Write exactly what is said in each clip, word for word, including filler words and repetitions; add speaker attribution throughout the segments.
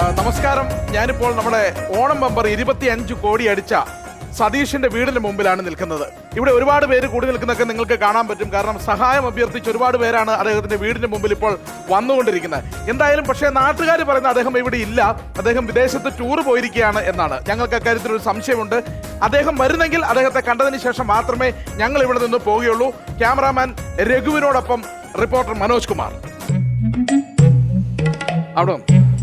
Speaker 1: നമസ്കാരം. ഞാനിപ്പോൾ നമ്മുടെ ഓണം ബമ്പർ ഇരുപത്തിയഞ്ച് കോടി അടിച്ച സതീഷിന്റെ വീടിന് മുമ്പിലാണ് നിൽക്കുന്നത്. ഇവിടെ ഒരുപാട് പേര് കൂടി നിൽക്കുന്നതൊക്കെ നിങ്ങൾക്ക് കാണാൻ പറ്റും. കാരണം സഹായം അഭ്യർത്ഥിച്ച് ഒരുപാട് പേരാണ് അദ്ദേഹത്തിന്റെ വീടിന് മുമ്പിൽ ഇപ്പോൾ വന്നുകൊണ്ടിരിക്കുന്നത്. എന്തായാലും പക്ഷേ നാട്ടുകാർ പറയുന്ന അദ്ദേഹം ഇവിടെ ഇല്ല, അദ്ദേഹം വിദേശത്ത് ടൂർ പോയിരിക്കുകയാണ് എന്നാണ്. ഞങ്ങൾക്ക് അക്കാര്യത്തിൽ ഒരു സംശയമുണ്ട്. അദ്ദേഹം വരുന്നെങ്കിൽ അദ്ദേഹത്തെ കണ്ടതിന് ശേഷം മാത്രമേ ഞങ്ങൾ ഇവിടെ നിന്ന് പോവുകയുള്ളൂ. ക്യാമറാമാൻ രഘുവിനോടൊപ്പം റിപ്പോർട്ടർ മനോജ് കുമാർ. അവിടെ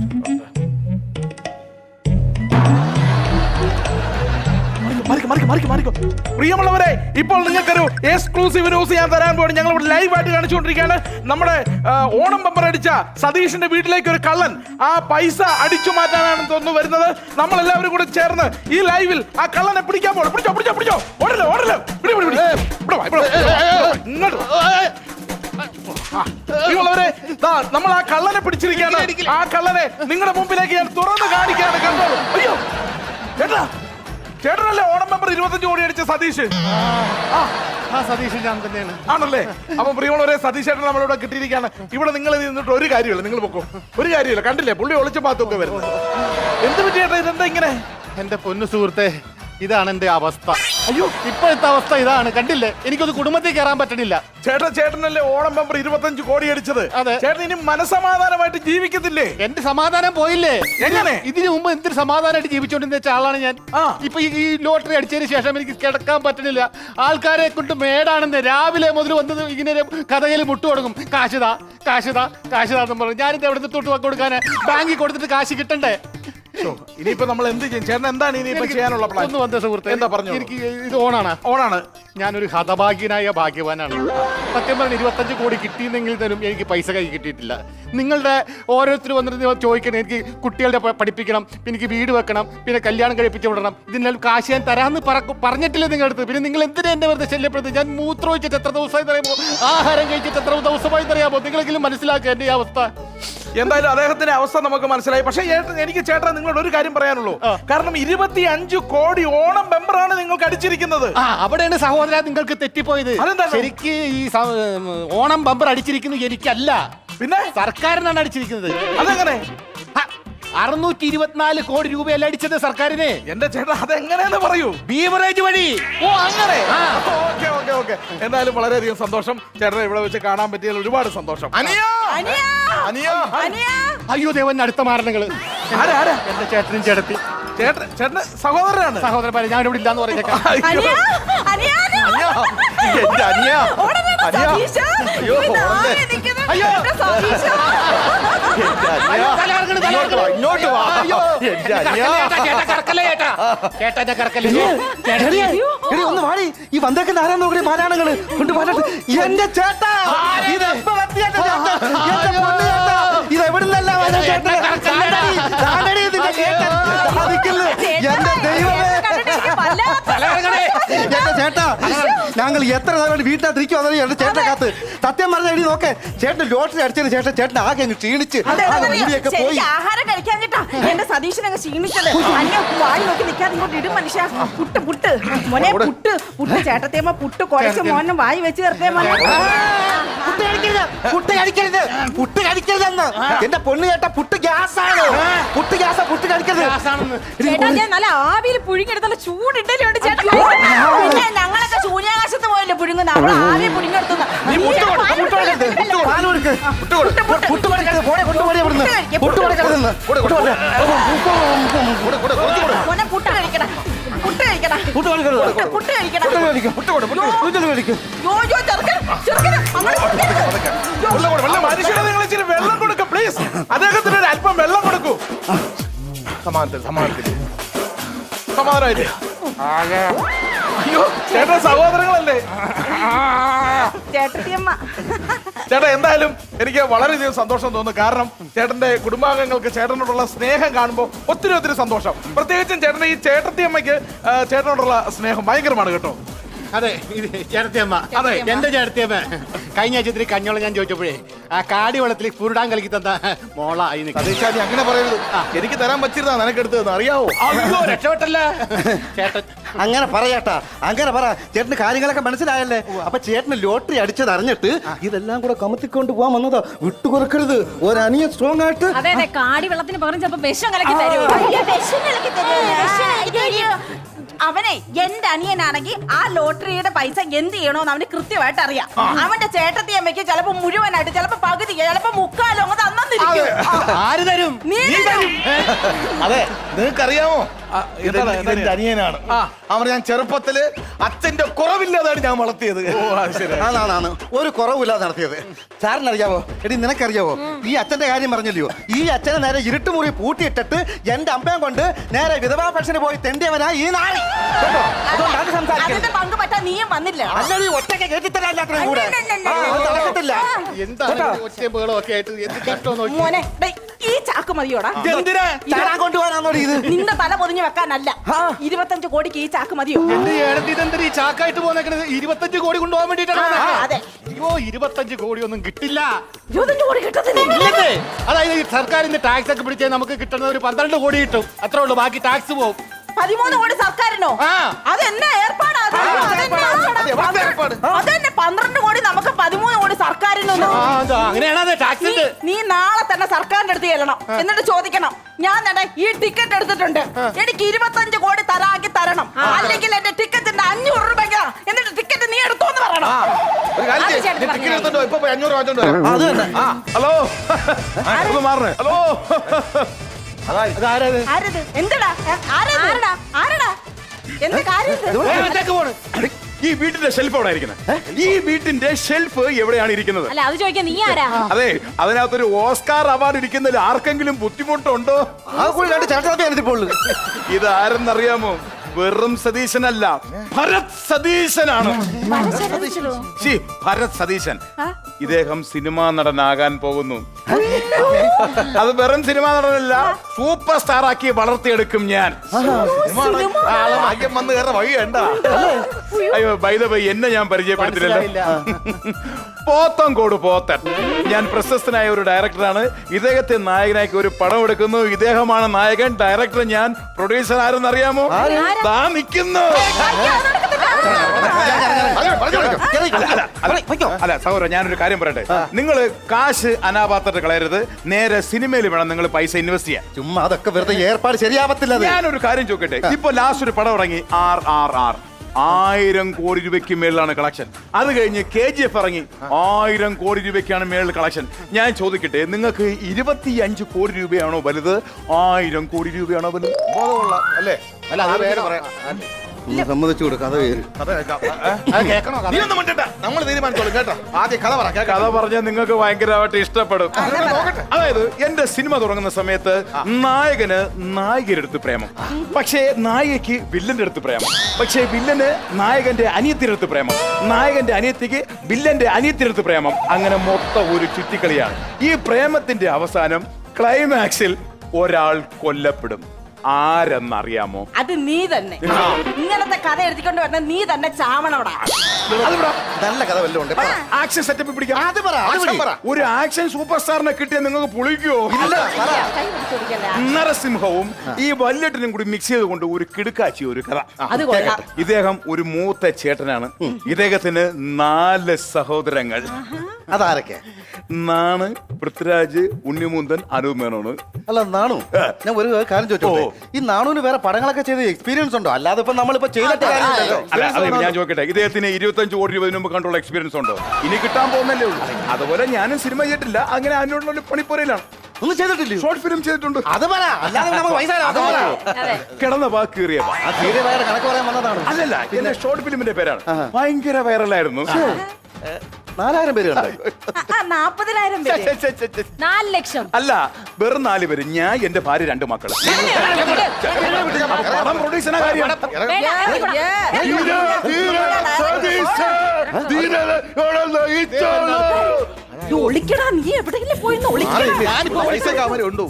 Speaker 1: പ്രിയമുള്ളവരെ, ഇപ്പോൾ നിങ്ങൾക്കൊരു എക്സ്ക്ലൂസീവ് ന്യൂസ് ഞാൻ തരാൻ പോയി. ഞങ്ങൾ ഇവിടെ ലൈവ് ആയിട്ട് കാണിച്ചുകൊണ്ടിരിക്കുകയാണ്. നമ്മുടെ ഓണം ബമ്പർ അടിച്ച സതീഷിന്റെ വീട്ടിലേക്ക് ഒരു കള്ളൻ ആ പൈസ അടിച്ചു മാറ്റാനാണ് തോന്നുന്നു വരുന്നത്. നമ്മൾ എല്ലാവരും കൂടെ ചേർന്ന് ഈ ലൈവിൽ ആ കള്ളനെ പിടിക്കാൻ പോകണം. പിടിച്ചോ പിടിച്ചോ പിടിച്ചോ ഓടല്ലോ ഓടല്ലോ പിടി പിടി പിടി ഇങ്ങോട്ട്. പ്രിയമുള്ളവരെ, നമ്മൾ ആ കള്ളനെ പിടിച്ചിരിക്കുകയാണ്. ആ കള്ളനെ നിങ്ങളുടെ മുമ്പിലേക്ക് ഞാൻ തുറന്ന് കാണിക്കുകയാണ്. കണ്ടോളൂ. അയ്യോ ചേട്ടാ, ചേട്ടനല്ലേ ഓണം ബമ്പർ ഇരുപത്തഞ്ച് കോടി അടിച്ച സതീഷ്?
Speaker 2: ആ സതീഷ് ഞാൻ തന്നെയാണ്.
Speaker 1: ആണല്ലേ? അപ്പൊ പ്രിയമുള്ളവരെ, സതീഷ് ചേട്ടൻ നമ്മളിവിടെ കിട്ടിയിരിക്കുകയാണ്. ഇവിടെ നിങ്ങൾ നിന്നിട്ട് ഒരു കാര്യമില്ല, നിങ്ങൾ പൊക്കോ. ഒരു കാര്യമില്ല. കണ്ടില്ലേ പുള്ളി ഒളിച്ചു പാത്തൊക്കെ വരുന്നത്. എന്ത് പറ്റി ചേട്ടാ, ഇതെന്താ ഇങ്ങനെ?
Speaker 2: എന്റെ പൊന്നു സുഹൃത്തെ, ഇതാണ് എന്റെ അവസ്ഥ. അയ്യോ, ഇപ്പോഴത്തെ അവസ്ഥ ഇതാണ്. കണ്ടില്ലേ, എനിക്കൊരു കുടുംബത്തിൽ കയറാൻ പറ്റണില്ല.
Speaker 1: ചേട്ടൻ ചേട്ടനല്ലേ ഓണം ബമ്പർ ഇരുപത്തഞ്ച് കോടി അടിച്ചത്?
Speaker 2: അതെ.
Speaker 1: ചേട്ടൻ ഇനി മനസമാധാനമായിട്ട് ജീവിക്കത്തില്ലേ?
Speaker 2: എന്റെ സമാധാനം പോയില്ലേ?
Speaker 1: എങ്ങനെ?
Speaker 2: ഇതിനു മുമ്പ് എന്തൊരു സമാധാനമായിട്ട് ജീവിച്ചോണ്ടിരുന്ന വെച്ച ആളാണ് ഞാൻ. ഇപ്പൊ ഈ ലോട്ടറി അടിച്ചതിന് ശേഷം എനിക്ക് കിടക്കാൻ പറ്റണില്ല. ആൾക്കാരെ കൊണ്ട് മേടാണെന്ന് രാവിലെ മുതൽ വന്നത് ഇങ്ങനെ കഥയിൽ മുട്ടു തുടങ്ങും. കാശുതാ കാശുതാ കാശുതാന്ന് പറഞ്ഞു. ഞാനിത് എവിടെ നിന്ന് തൊട്ട് കൊടുക്കാൻ? ബാങ്കിൽ കൊടുത്തിട്ട് കാശ് കിട്ടണ്ടേ?
Speaker 1: ഇനിയിപ്പോ നമ്മൾ എന്ത് ചെയ്യും? ചേട്ടൻ എന്താണ് ഇനിയിപ്പോ ചെയ്യാനുള്ള പ്ലാൻ?
Speaker 2: ഒന്ന് വന്ന സുഹൃത്തെ,
Speaker 1: എന്താ പറഞ്ഞു?
Speaker 2: എനിക്ക് ഇത് ഓണാണ്.
Speaker 1: ഓണാണ്.
Speaker 2: ഞാനൊരു ഹതഭാഗ്യനായ ഭാഗ്യവാനാണ്. സത്യം പറഞ്ഞ ഇരുപത്തഞ്ച് കോടി കിട്ടിയെന്നെങ്കിൽ തരും എനിക്ക് പൈസ കൈ കിട്ടിയിട്ടില്ല. നിങ്ങളുടെ ഓരോരുത്തർ വന്നിട്ട് ചോദിക്കണം, എനിക്ക് കുട്ടികളുടെ പഠിപ്പിക്കണം, എനിക്ക് വീട് വെക്കണം, പിന്നെ കല്യാണം കഴിപ്പിച്ച് വിടണം, ഇതിനെല്ലാം കാശ് ഞാൻ തരാമെന്ന് പറഞ്ഞിട്ടില്ല നിങ്ങളുടെ അടുത്ത്. പിന്നെ നിങ്ങൾ എന്തിനാ എന്നെ വെറുതെ ശല്യപ്പെടുത്തി? ഞാൻ മൂത്രം ഒഴിച്ചിട്ട് എത്ര ദിവസമായി അറിയാമോ? ആഹാരം കഴിച്ചിട്ട് എത്ര ദിവസമായി അറിയാമോ? നിങ്ങളെങ്കിലും മനസ്സിലാക്കുക എന്റെ ഈ അവസ്ഥ.
Speaker 1: എന്തായാലും അദ്ദേഹത്തിന്റെ അവസ്ഥ നമുക്ക് മനസ്സിലായി. പക്ഷേ എനിക്ക് ചേട്ടാ നിങ്ങളോട് ഒരു കാര്യം പറയാനുള്ളൂ. കാരണം ഇരുപത്തി അഞ്ച് കോടി ഓണം ബമ്പറാണ് നിങ്ങൾക്ക് അടിച്ചിരിക്കുന്നത്.
Speaker 2: അവിടെയാണ് സഹോദര നിങ്ങൾക്ക് തെറ്റിപ്പോയത്. ശരിക്ക് ഈ ഓണം ബമ്പർ അടിച്ചിരിക്കുന്നത് എനിക്കല്ല,
Speaker 1: പിന്നെ
Speaker 2: സർക്കാരിനാണ് അടിച്ചിരിക്കുന്നത്.
Speaker 1: അതെങ്ങനെ?
Speaker 2: അറുന്നൂറ്റി ഇരുപത്തിനാല് കോടി രൂപയല്ല അടിച്ചത് സർക്കാരിന്.
Speaker 1: എന്റെ ചേട്ടാ അതെങ്ങനെയെന്ന് പറയൂ.
Speaker 2: ബീവറേജ് വഴി.
Speaker 1: ഓ അങ്ങനെ. Okay okay okay. എന്തായാലും വളരെയധികം സന്തോഷം. ചേട്ടനെ ഇവിടെ വെച്ച് കാണാൻ പറ്റിയതിൽ ഒരുപാട് സന്തോഷം.
Speaker 2: അയ്യോ ദേവൻ, അടുത്ത മാരണങ്ങള്. എന്റെ ചേട്ടനും ചേട്ടത്തി.
Speaker 1: ചേട്ടൻ ചേട്ടന് സഹോദരനാണ്.
Speaker 2: സഹോദരന്മാരെ ഞാൻ ഇവിടെ ഇല്ലാന്ന് പറഞ്ഞേക്കാം.
Speaker 3: ഒന്ന് വാടി. ഈ വന്നേക്കുന്ന ആരാന്ന് നോക്കണേ, മാരാണങ്ങള് കൊണ്ട് പറഞ്ഞിട്ട് എന്റെ ചേട്ടാ ഇത് ഇത് എവിടുന്നല്ല എന്റെ ദൈവമേ. എന്റെ ചേട്ടാ, ഞങ്ങൾ എത്ര നേരം വീട്ടിനകത്തിരിക്കും അതെ എന്റെ ചേട്ടനെ കാത്ത്. സത്യം പറഞ്ഞ എടി നോക്കേ, ചേട്ടൻ ലോട്ടറി അടിച്ചതിന് ശേഷം ചേട്ടൻ ആകെ അങ്ങ് ക്ഷീണിച്ച് പോയി.
Speaker 4: ആഹാരം കഴിക്കാൻ കേട്ടാ എന്റെ സതീശനങ്ങ് ക്ഷീണിച്ചത്. അന്യ വായി നോക്കി നിൽക്കാതെ ഇങ്ങോട്ട് ഇടും മനുഷ്യ. പുട്ട് പുട്ട് മോനെ, പുട്ട് പുട്ട് ചേട്ടത്തേമ്മ പുട്ട് കുഴച്ച് മോനെ വായി വെച്ച് ചേർത്തേ മോനെ.
Speaker 3: പുട്ട് കഴിക്കരുത്, പുട്ട് കഴിക്കരുത്, പുട്ട് കഴിക്കരുതെന്ന്. എന്റെ പൊണ്ണ് ചേട്ടാ, പുട്ട് ഗ്യാസാണ്. പുട്ട് ഗ്യാസാ, പുട്ട് കഴിക്കരുത്.
Speaker 4: ചേട്ടാ ഞാൻ നല്ല ആവിയിൽ പുഴുങ്ങിയെടുത്തുള്ള ചൂടിട്ടലുണ്ട് ചേട്ടാ. പിന്നെ ഞങ്ങളൊക്കെ ശൂന്യാകാശത്ത് പോയല്ലേ പുഴുങ്ങുന്ന, അവിടെ ആവി പുഴുങ്ങിയെടുത്തുന്ന. മോനെ പുട്ട് കഴിക്കടാ, പുട്ട് കഴിക്കടാ, പുട്ട് കഴിക്കടാ, പുട്ട് കഴിക്കണം.
Speaker 1: വെള്ളം കൊടുക്കും പ്ലീസ്. അദ്ദേഹത്തിന് ഒരു അല്പം വെള്ളം കൊടുക്കൂ. സമാധാനത്തിൽ സമാധാനത്തിൽ സമാധാനമായിട്ട്. അയ്യോ ചേട്ടൻ സഹോദരങ്ങളല്ലേ?
Speaker 4: ചേട്ടത്തിയമ്മ.
Speaker 1: ചേട്ടാ എന്തായാലും എനിക്ക് വളരെയധികം സന്തോഷം തോന്നുന്നു. കാരണം ചേട്ടന്റെ കുടുംബാംഗങ്ങൾക്ക് ചേട്ടനോടുള്ള സ്നേഹം കാണുമ്പോൾ ഒത്തിരി ഒത്തിരി സന്തോഷം. പ്രത്യേകിച്ചും ചേട്ടന്റെ ഈ ചേട്ടത്തിയമ്മയ്ക്ക് ചേട്ടനോടുള്ള സ്നേഹം ഭയങ്കരമാണ് കേട്ടോ.
Speaker 2: അതെ, ഇത് ചേട്ടത്തിയമ്മ. അതെ, എന്റെ ചേട്ടത്തിയമ്മ. കഴിഞ്ഞ ആഴ്ച ഇത്തിരി കഞ്ഞോളം ഞാൻ ചോദിച്ചപ്പോഴേ ആ കാടി വെള്ളത്തിൽ പുരുടാൻ കളിക്കി തന്ന മോളായി.
Speaker 1: അങ്ങനെ പറയരുത്. എനിക്ക് തരാൻ പറ്റിരുന്നാ നിനക്ക് എടുത്തത് അറിയാവോ?
Speaker 2: അയ്യോ രക്ഷപ്പെട്ടല്ല ചേട്ടൻ.
Speaker 3: അങ്ങനെ പറയാട്ടാ, അങ്ങനെ പറ. ചേട്ടന് കാര്യങ്ങളൊക്കെ മനസ്സിലായല്ലേ? അപ്പൊ ചേട്ടന് ലോട്ടറി അടിച്ചത് അറിഞ്ഞിട്ട് ഇതെല്ലാം കൂടെ കമത്തിക്കൊണ്ട് പോകാൻ വന്നതാ. വിട്ടുകൊടുക്കരുത്. ഒരനിയ സ്ട്രോങ് ആയിട്ട്.
Speaker 5: അതെ അതെ, കാടി വെള്ളത്തിന് പകരം ചിലപ്പോ വിഷം കലക്കി തരുമോ?
Speaker 4: അവനെ എന്റെ അനിയനാണെങ്കിൽ ആ ലോട്ടറിയുടെ പൈസ എന്ത് ചെയ്യണോന്ന് അവന് കൃത്യമായിട്ട് അറിയാം. അവന്റെ ചേട്ടത്തി അമ്മയ്ക്ക് ചിലപ്പോ മുഴുവനായിട്ട്, ചിലപ്പോ പകുതി, ചിലപ്പോ മുക്കാലോ അങ്ങ് തന്നിരിക്കും.
Speaker 6: ആര് തരും?
Speaker 4: നീ തരും.
Speaker 6: അതെ, നിങ്ങൾക്കറിയാമോ
Speaker 1: ആ, എന്താണ്,
Speaker 6: ഇതെന്റെ
Speaker 1: എന്താണ്?
Speaker 6: അനിയനാണ്.
Speaker 1: ആ.
Speaker 6: അവർ ഞാൻ ചെറുപ്പത്തില് അച്ഛന്റെ കുറവില്ലാതാണ് ഞാൻ വളർത്തിയത്.
Speaker 1: ഓ, അത് ശരി.
Speaker 3: ആണാണ് ഒരു കുറവില്ലാതെ നടത്തിയത്. സാറിനറിയാവോ? എടി നിനക്കറിയാവോ? ഈ അച്ഛന്റെ കാര്യം പറഞ്ഞല്ലോ. ഈ അച്ഛനെ നേരെ ഇരുട്ടുമുറി പൂട്ടിയിട്ടിട്ട് എന്റെ അമ്മയും കൊണ്ട് നേരെ വിധവാ പെൻഷന് പോയി തെണ്ടിയവനാ ഈ നാളെ. അതുകൊണ്ടാണ് സംസാരിക്കുന്നത്.
Speaker 4: അതിന്റെ പങ്ക് പറ്റാൻ നീയും വന്നില്ല.
Speaker 3: അല്ലടി ഒറ്റയ്ക്ക് കേട്ടിത്തരാല്ലാത്രയും കൂടെ. ആ, അത് നടക്കത്തില്ല.
Speaker 2: എന്താണ് ഒച്ചയും ബഹളവും ഒക്കെ ആയിട്ട് എന്ത് കഷ്ടം നോക്കി.
Speaker 4: മോനെ ദേ, ഈ ചാക്ക് മതിയോടാ?
Speaker 6: എന്തിനാ
Speaker 3: ചാടാൻ കൊണ്ടുപോകാനാണോ ഇത്?
Speaker 4: നിന്റെ തല പൊതിഞ്ഞു വെക്കാനല്ല. ഇരുപത്തഞ്ച് കോടിക്ക് ഈ ചാക്ക് മതിയോ?
Speaker 2: എന്റെ ഏടത്തി ഇതെന്തൊരു ഈ ചാക്കായിട്ട് പോന്നേക്കണത്? ഇരുപത്തഞ്ച് കോടി കൊണ്ടുപോകാൻ വേണ്ടിട്ടാണ്
Speaker 4: ആ, അതെ.
Speaker 2: അയ്യോ, ഇരുപത്തഞ്ച് കോടി ഒന്നും കിട്ടില്ല.
Speaker 4: ഇരുപത്തഞ്ച് കോടി കിട്ടത്തില്ല.
Speaker 2: ഇല്ലല്ലേ? അതായത് ഈ സർക്കാരിന്റെ ടാക്സ് ഒക്കെ പിടിച്ചാൽ നമുക്ക് കിട്ടുന്ന ഒരു പന്ത്രണ്ട് കോടി കിട്ടും. അത്രേ ഉള്ളൂ, ബാക്കി ടാക്സ് പോകും.
Speaker 4: പതിമൂന്ന് കോടി സർക്കാരിനോ?
Speaker 2: ആ.
Speaker 4: അതെന്നാ ഏർപ്പാടാ? അത്
Speaker 6: ആ,
Speaker 4: അതെന്നാ
Speaker 6: അത് എവിടുത്തെ ഏർപ്പാട്?
Speaker 4: അതന്നെ, പന്ത്രണ്ട് കോടി നമുക്ക്, പതിമൂന്ന് കോടി സർക്കാരിനോ?
Speaker 2: ആ, അത് അങ്ങനെയാണ് അത് ടാക്സ്
Speaker 4: നീ-
Speaker 2: ഉണ്ട്.
Speaker 4: നീ നാളെ തന്നെ സർക്കാരിന്റെ അടുത്ത് ചെല്ലണം. എന്നിട്ട് ചോദിക്കണം, ഞാൻ തന്നെ ഈ ടിക്കറ്റ് എടുത്തിട്ടുണ്ട്, എനിക്ക് ഇരുപത്തഞ്ച് കോടി തരാക്കി തരണം, അല്ലെങ്കിൽ എന്റെ ടിക്കറ്റിന്റെ അഞ്ഞൂറ് രൂപ. എന്നിട്ട് ടിക്കറ്റ് നീ എടുത്തോന്ന് പറയണം.
Speaker 6: ഒരു കാര്യം
Speaker 4: അത്
Speaker 6: ചെയ്യ്.
Speaker 4: ചേട്ടൻ
Speaker 6: നീ ടിക്കറ്റ് എടുത്തോണ്ട് ഇപ്പൊ പോയി അഞ്ഞൂറ് വാങ്ങിച്ചോണ്ട് വരാം.
Speaker 3: അത് തന്നെ.
Speaker 6: ആ, ഹലോ ഒന്ന് മാറണേ. ഹലോ
Speaker 2: അതാരത്?
Speaker 4: ആരത്? എന്തെടാ? ആരത്? ആരടാ? ആരടാ? എന്ത് കാര്യം ഇത്?
Speaker 2: ഏ, അകത്തേക്ക് പോണ്.
Speaker 1: ഈ വീട്ടിന്റെ ഷെൽഫ് എവിടെ ഇരിക്കുന്നത്? ഈ വീട്ടിന്റെ ഷെൽഫ് എവിടെയാണ് ഇരിക്കുന്നത്?
Speaker 5: അല്ല, അത് ചോദിക്കാൻ നീ ആരാ?
Speaker 1: അതെ, അതിനകത്തൊരു ഓസ്കാർ അവാർഡ് ഇരിക്കുന്നതിൽ ആർക്കെങ്കിലും ബുദ്ധിമുട്ടുണ്ടോ?
Speaker 3: ആ കൂടി രണ്ട് ചേട്ടൻ ഇപ്പോൾ
Speaker 1: ഇത് ആരെന്നറിയാമോ? വെറും സതീശനല്ല, ഭരത് സതീശനാണ്. ശ്ശി, ഭരത് സതീശൻ. ഇദ്ദേഹം സിനിമാ നടനാകാൻ പോകുന്നു. അത് വെറും സിനിമാ നടനല്ല, സൂപ്പർ സ്റ്റാർ ആക്കി വളർത്തിയെടുക്കും ഞാൻ.
Speaker 6: ആളെ ഭാഗ്യം വന്ന് കയറ വഴി വേണ്ട.
Speaker 1: അയ്യോ, ബൈ ദ ബൈ, എന്നെ ഞാൻ പരിചയപ്പെടുത്തില്ലല്ലോ. പോത്തൻകോട് പോത്തൻ. ഞാൻ പ്രശസ്തനായ ഒരു ഡയറക്ടറാണ്. ഇദ്ദേഹത്തെ നായകനാക്കി ഒരു പടം എടുക്കുന്നു. ഇദ്ദേഹമാണ് നായകൻ. ഡയറക്ടർ ഞാൻ. പ്രൊഡ്യൂസർ ആരെന്നറിയാമോ? ദാ നിൽക്കുന്നു. അല്ല സഹോദരൻ, ഞാനൊരു കാര്യം പറയട്ടെ. നിങ്ങൾ കാശ് അനാപാത്രത്തിൽ കളയരുത്. നേരെ സിനിമയിൽ വേണം നിങ്ങൾ പൈസ ഇൻവെസ്റ്റ് ചെയ്യാൻ.
Speaker 3: ചുമ്മാ അതൊക്കെ വെറുതെ ഏർപ്പാട് ശരിയാവത്തില്ല.
Speaker 1: ഞാനൊരു കാര്യം ചോദിക്കട്ടെ. ഇപ്പൊ ലാസ്റ്റ് ഒരു പടം ഇറങ്ങി, ആർ ആർ ആർ ആയിരം കോടി രൂപയ്ക്ക് മേളിലാണ് കളക്ഷൻ. അത് കഴിഞ്ഞ് കെ ജി എഫ് ഇറങ്ങി, ആയിരം കോടി രൂപയ്ക്കാണ് മേളിൽ കളക്ഷൻ. ഞാൻ ചോദിക്കട്ടെ, നിങ്ങൾക്ക് ഇരുപത്തി അഞ്ച് കോടി രൂപയാണോ വലുത്, ആയിരം കോടി രൂപയാണോ വലുത്?
Speaker 6: ബോധമുള്ള അല്ലേ?
Speaker 2: അല്ല, അത് വേറെ പറയാം.
Speaker 3: സമ്മതിച്ചു കൊടുക്കാം. അത് പേര്
Speaker 6: കഥ കേൾക്കാം.
Speaker 2: അത് കേൾക്കണോ?
Speaker 6: നീ ഒന്നും മിണ്ടണ്ട. നമ്മൾ തീരുമാനിച്ചോളും കേട്ടോ. ആദ്യം കഥ പറ. കേൾക്കാം.
Speaker 1: കഥ പറഞ്ഞാൽ നിങ്ങൾക്ക് ഭയങ്കരമായിട്ട് ഇഷ്ടപ്പെടും. അതായത് എന്റെ സിനിമ തുടങ്ങുന്ന സമയത്ത് നായകന് നായികയുടെ അടുത്ത് പ്രേമം, പക്ഷേ നായികയ്ക്ക് വില്ലന്റെ അടുത്ത് പ്രേമം, പക്ഷേ വില്ലന് നായകന്റെ അനിയത്തിന്റെ അടുത്ത് പ്രേമം, നായകന്റെ അനിയത്തിക്ക് വില്ലന്റെ അനിയത്തിന്റെ അടുത്ത് പ്രേമം. അങ്ങനെ മൊത്തം ഒരു ചുറ്റിക്കളിയാണ്. ഈ പ്രേമത്തിന്റെ അവസാനം ക്ലൈമാക്സിൽ ഒരാൾ കൊല്ലപ്പെടും. ആരെന്നറിയാമോ?
Speaker 4: അത് നീ തന്നെ. ഇങ്ങനത്തെ കഥ എഴുതിക്കൊണ്ട് വരുന്ന നീ തന്നെ ചാവണോടാ.
Speaker 3: നല്ല കഥ വല്ലതും ഉണ്ട്. പറ.
Speaker 1: ആക്ഷൻ സെറ്റപ്പ് പിടിക്കാം.
Speaker 3: അത് പറ, അത്
Speaker 6: ആക്ഷൻ പറ.
Speaker 1: ഒരു ആക്ഷൻ സൂപ്പർ സ്റ്റാറിനെ കിട്ടിയാൽ നിങ്ങൾക്ക് പൊളിക്കോ?
Speaker 3: ഇല്ല, പറ.
Speaker 4: കൈ പിടിച്ചോടിക്കല്ലേ.
Speaker 1: നരസിംഹവും ഈ വല്യട്ടനും കൂടി മിക്സ് ചെയ്തുകൊണ്ട് ഒരു കിടുക്കാച്ചി ഒരു കഥ.
Speaker 4: അത് കൊള്ളാം.
Speaker 1: ഇദ്ദേഹം ഒരു മൂത്ത ചേട്ടനാണ്. ഇദ്ദേഹത്തിന് നാല് സഹോദരങ്ങൾ.
Speaker 3: അതാരൊക്കെ?
Speaker 1: നാണ്, പൃഥ്വിരാജ്, ഉണ്ണിമുന്തൻ, അനൂപ് മേനോന്.
Speaker 3: അല്ല നാണു, ഞാൻ ഒരു കാര്യം ചോദിച്ചോട്ടെ. ഈ നാണുവിന് വേറെ പടങ്ങളൊക്കെ ചെയ്ത് എക്സ്പീരിയൻസ് ഉണ്ടോ? അല്ലാതെ ഇപ്പൊ നമ്മളിപ്പോ ചെയ്തിട്ട് കാര്യമില്ലല്ലോ.
Speaker 1: അല്ല, അത് ഞാൻ ചോദിക്കട്ടെ, ഇദ്ദേഹത്തിന് ഇരുപത്തഞ്ച് കോടി രൂപ മുമ്പ് കണ്ടുള്ള എക്സ്പീരിയൻസ് ഉണ്ടോ? ഇനി കിട്ടാൻ പോകുന്നല്ലേ ഉള്ളൂ. അതുപോലെ ഞാനും സിനിമ ചെയ്തിട്ടില്ല. അങ്ങനെ അതിനോടുള്ള പണിപ്പുരയിലാണ്.
Speaker 3: ഒന്നും ചെയ്തിട്ടില്ല.
Speaker 1: ഷോർട്ട് ഫിലിം ചെയ്തിട്ടുണ്ട്.
Speaker 3: അത് പറ, അല്ലാതെ നമുക്ക് പൈസ തരാം. അത് പറ.
Speaker 5: അതെ.
Speaker 1: കിടന്ന വാക്ക് കീറിയ വാ.
Speaker 3: ആ തീരെ വേറെ കണക്ക് പറയാൻ വന്നതാണ്.
Speaker 1: അതല്ല, എന്റെ ഷോർട്ട് ഫിലിമിന്റെ പേരാണ്. ഭയങ്കര വൈറലായിരുന്നു.
Speaker 3: നാലായിരം പേര് കണ്ടായി.
Speaker 4: നാപ്പതിനായിരം പേര്.
Speaker 5: നാല് ലക്ഷം.
Speaker 1: അല്ല, വെറും നാല് പേര്. ഞാൻ എന്റെ ഭാര്യ, രണ്ട് മക്കള്. പടം പ്രൊഡ്യൂസറിന്റെ കാര്യം.
Speaker 4: ഇത് ഒളിക്കടാ, നീ എവിടെയെങ്കിലും പോയി ഒളിക്കടാ.
Speaker 6: ഞാനിപ്പോ പൈസ കാമര ഉണ്ടോ?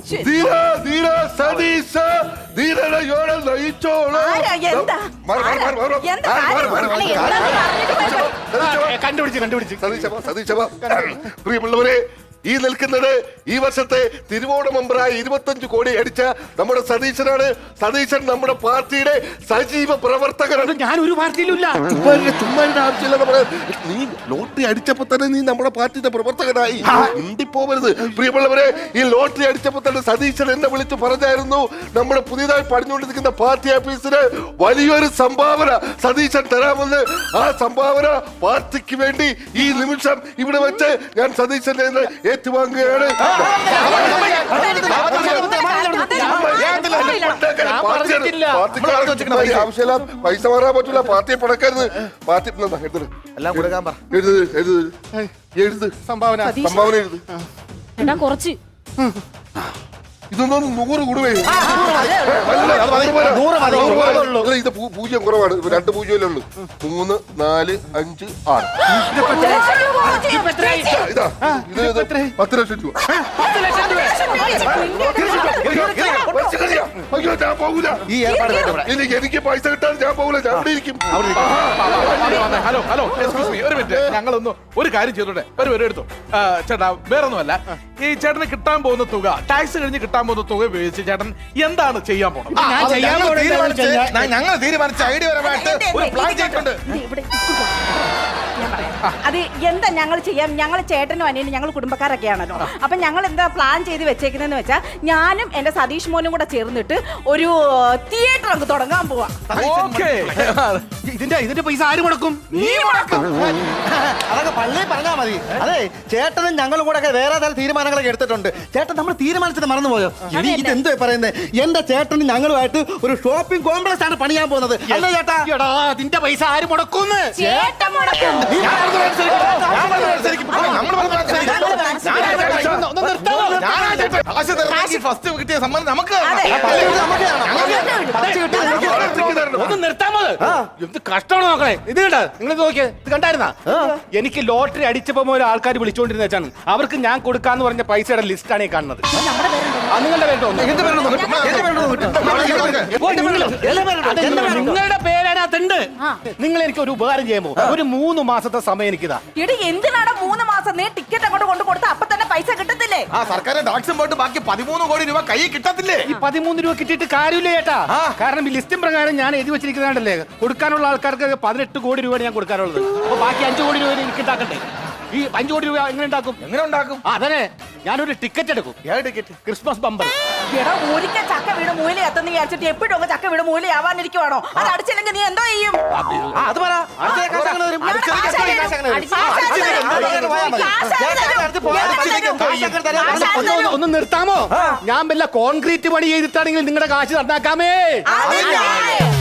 Speaker 4: ആരാ? എന്താ? എന്താ കാര്യം? അല്ല, എന്താന്ന് പറഞ്ഞിട്ട് പോയി.
Speaker 2: കണ്ടുപിടിച്ച് കണ്ടുപിടിച്ച്
Speaker 6: സതീശ, സതീശ, പ്രിയമുള്ളവരെ,
Speaker 7: ഈ നിൽക്കുന്നത് ഈ വർഷത്തെ തിരുവോണ മെമ്പറായ ഇരുപത്തഞ്ച് കോടി അടിച്ച നമ്മുടെ സതീശനാണ്. സതീശൻ നമ്മുടെ പാർട്ടിയുടെ സജീവ പ്രവർത്തകനാണ്.
Speaker 2: ഞാൻ ഒരു പാർട്ടിയിലുമില്ല.
Speaker 7: ചുമ്മാ ആവശ്യമില്ല. നമ്മുടെ നീ ലോട്ടറി അടിച്ചപ്പോ തന്നെ നീ നമ്മുടെ പാർട്ടിയുടെ പ്രവർത്തകനായി. പോവരുത് പ്രിയമുള്ളവരെ. ഈ ലോട്ടറി അടിച്ചപ്പോ തന്നെ സതീശൻ എന്നെ വിളിച്ച് പറഞ്ഞായിരുന്നു, നമ്മുടെ പുതിയതായി പണിഞ്ഞുകൊണ്ടിരിക്കുന്ന പാർട്ടി ഓഫീസിന് വലിയൊരു സംഭാവന സതീശൻ തരാമെന്ന്. ആ സംഭാവന പാർട്ടിക്ക് വേണ്ടി ഈ നിമിഷം ഇവിടെ വെച്ച് ഞാൻ സതീശന്റെ കയ്യിൽ നിന്ന് ഏറ്റുവാങ്ങുകയാണ്. ആവശ്യമില്ല, പൈസ മാറാൻ പറ്റൂല, പാർട്ടിയെ പടക്കരുത്. പാർട്ടി
Speaker 3: എല്ലാം കൊടുക്കാൻ പറ.
Speaker 7: എഴുത് എഴുത് എഴുത്
Speaker 2: സംഭാവന
Speaker 7: സംഭാവന എഴുത്.
Speaker 5: എടാ കുറച്ച്
Speaker 7: ഇതൊന്നും നൂറ് കൂടുവേ. ഇത് പൂ- പൂജ്യം കുറവാണ്. രണ്ട് പൂജ്യമല്ലേ ഉള്ളു. മൂന്ന് നാല് അഞ്ച് ആറ്. ഇതാ ഇത് ഇത് പത്ത് ലക്ഷം രൂപ. അയ്യോ ഞാൻ പോകൂല.
Speaker 3: ഈ ഏർപ്പാട് വേണ്ട ഇവിടെ.
Speaker 7: എനിക്ക് എനിക്ക് പൈസ കിട്ടാൻ ഞാൻ പോകൂല. ഞാൻ ഇവിടെ ഇരിക്കും.
Speaker 1: ഹലോ ഹലോ എക്സ്ക്യൂസ് മീ ഒരു മിനിറ്റ്. ഞങ്ങളൊന്ന് ഒരു കാര്യം ചെയ്തോട്ടെ. ഒരു പേര് എടുത്തു. ആ, ചേട്ടാ വേറൊന്നുമല്ല, ഈ ചേട്ടന് കിട്ടാൻ പോകുന്ന തുക, ടാക്സ് കഴിഞ്ഞ് കിട്ടാൻ പോകുന്ന തുക ഉപയോഗിച്ച് ചേട്ടൻ എന്താണ് ചെയ്യാൻ പോകുന്നത്?
Speaker 6: ആ, അത് ഞങ്ങൾ തീരുമാനിച്ച് ഞ- ഞങ്ങൾ തീരുമാനിച്ച ഐഡിയപരമായിട്ട് ഒരു പ്ലാൻ ചെയ്തിട്ടുണ്ട്.
Speaker 4: അത് എന്താ ഞങ്ങൾ ചെയ്യാം? ഞങ്ങൾ ചേട്ടനും അനിയനും ഞങ്ങൾ കുടുംബക്കാരൊക്കെയാണല്ലോ. അപ്പൊ ഞങ്ങൾ എന്താ പ്ലാൻ ചെയ്ത് വെച്ചേക്കുന്നതെന്ന് വെച്ചാൽ ഞാനും എന്റെ സതീഷ് മോനും കൂടെ ചേർന്നിട്ട് ഒരു തിയേറ്റർ അങ്ങ് തുടങ്ങാൻ പോവാ.
Speaker 1: ഓക്കേ.
Speaker 2: ഇതിന്റെ ഇതിന്റെ പൈസ ആര് മുടക്കും?
Speaker 1: നീ മുടക്കും.
Speaker 3: അതൊക്കെ പള്ളി പറഞ്ഞാ മതി. അതെ, ചേട്ടനും ഞങ്ങളും കൂടെ ഒക്കെ വേറെ തരം തീരുമാനങ്ങളൊക്കെ എടുത്തിട്ടുണ്ട്. ചേട്ടൻ നമ്മൾ തീരുമാനിച്ചത് മറന്നുപോയോ? ഇനി ഇതെന്തോ പറയുന്നത്? എന്റെ ചേട്ടനും ഞങ്ങളുമായിട്ട് ഒരു ഷോപ്പിംഗ് കോംപ്ലക്സ് ആണ് പണിയാൻ പോകുന്നത്. അല്ലേ ചേട്ടാ?
Speaker 2: എടാ അതിന്റെ പൈസ ആര് മുടക്കും?
Speaker 5: ചേട്ടൻ മുടക്കും.
Speaker 6: ഞാൻ പറഞ്ഞത് അനുസരിക്കും. ഞാൻ പറഞ്ഞത് അനുസരിക്കും. നമ്മൾ പറഞ്ഞത് അനുസരിക്കും. ഞാനാ ചേട്ടാ.
Speaker 2: ഒന്ന് നിർത്താമോ?
Speaker 6: ഞാനാ ചേട്ടാ. കാശ് തരണമെങ്കിൽ ഫസ്റ്റ് കിട്ടിയ സമ്മാനം നമുക്ക് തരണം.
Speaker 4: അതെ.
Speaker 3: പള്ളി വീട് നമുക്കാണ്.
Speaker 2: ഒന്ന് നിർത്താമോ? എന്ത് കഷ്ടമാണ് നോക്കണേ. ഇത് കണ്ട നിങ്ങൾ നോക്കിയേ, ഇത് കണ്ടായിരുന്നാ? എനിക്ക് ലോട്ടറി അടിച്ചപ്പോ ഒരു ആൾക്കാർ വിളിച്ചോണ്ടിരുന്ന വെച്ചാണ്, അവർക്ക് ഞാൻ കൊടുക്കാന്ന് പറഞ്ഞ പൈസയുടെ ലിസ്റ്റാണ് ഈ കാണുന്നത്. ആ നിങ്ങളുടെ പേരുണ്ടോ?
Speaker 3: എന്റെ പേരുണ്ടോ നോക്ക്. എന്റെ പേരുണ്ടോ നോക്ക്.
Speaker 2: നിങ്ങളുടെ പേരതിനകത്തുണ്ട്. നിങ്ങൾ എനിക്ക് ഒരു ഉപകാരം ചെയ്യുമ്പോ ഒരു മൂന്ന് മാസത്തെ സമയം എനിക്കിതാ.
Speaker 4: എടി എന്തിനാണ് മൂന്ന് മാസം? നീ ടിക്കറ്റ് അങ്ങോട്ട് കൊണ്ട് കൊടുത്ത അപ്പൊ തന്നെ പൈസ കിട്ടത്തില്ലേ?
Speaker 6: ആ സർക്കാർ ടാക്സും പോയിട്ട് ബാക്കി പതിമൂന്ന് കോടി രൂപ കൈ കിട്ടത്തില്ലേ?
Speaker 2: ഈ പതിമൂന്ന് രൂപ കിട്ടിയിട്ട് കാര്യമില്ല ചേട്ടാ. കാരണം ഈ ലിസ്റ്റും പ്രകാരം ഞാൻ എഴുതി വെച്ചിരിക്കുന്നതല്ലേ, കൊടുക്കാനുള്ള ആൾക്കാർക്ക് പതിനെട്ട് കോടി രൂപയാണ് ഞാൻ കൊടുക്കാനുള്ളത്. അപ്പൊ ബാക്കി അഞ്ചു കോടി രൂപ എനിക്ക് ഉണ്ടാക്കണ്ടേ? ഈ അഞ്ചു കോടി രൂപ എങ്ങനെ ഉണ്ടാക്കും?
Speaker 6: എങ്ങനെ ഉണ്ടാക്കും?
Speaker 2: ആ, അതന്നെ ഞാനൊരു ടിക്കറ്റ് എടുക്കും.
Speaker 6: ഏത് ടിക്കറ്റ്?
Speaker 2: Christmas bumper.
Speaker 4: എടാ ഒരിക്കൽ ചക്ക വീട് മൂല എത്തുന്ന വിചാരിച്ചിട്ട് എപ്പോഴും അങ്ങ് ചക്ക വീട് മൂലയാവാനിരിക്കുവാണോ? അത് അടിച്ചില്ലെങ്കിൽ നീ എന്തോ ചെയ്യും?
Speaker 3: ആ, അത് പറ. അടുത്ത കാശ് അങ്ങനെ വരും.
Speaker 4: ഞാൻ കാശ് തരും.
Speaker 3: കാശ് അങ്ങനെ വരും.
Speaker 4: കാശ് തരും.
Speaker 3: അങ്ങനെ പോയാൽ മതി.
Speaker 4: കാശ്
Speaker 3: ചേട്ടാ,
Speaker 4: തരും.
Speaker 3: അടുത്ത് പോ.
Speaker 4: ഞാൻ
Speaker 3: അടുത്തേക്ക്
Speaker 4: തരും.
Speaker 3: പോ. കാശ് അങ്ങനെ തരാം.
Speaker 4: കാശ്
Speaker 2: ഒന്ന് ഒന്ന് ഒന്ന് നിർത്താമോ? ഞാൻ വല്ല കോൺക്രീറ്റ് പണി ചെയ്തിട്ടാണെങ്കിൽ നിങ്ങളുടെ കാശ് നന്നാക്കാമേ.
Speaker 4: അതില്ല.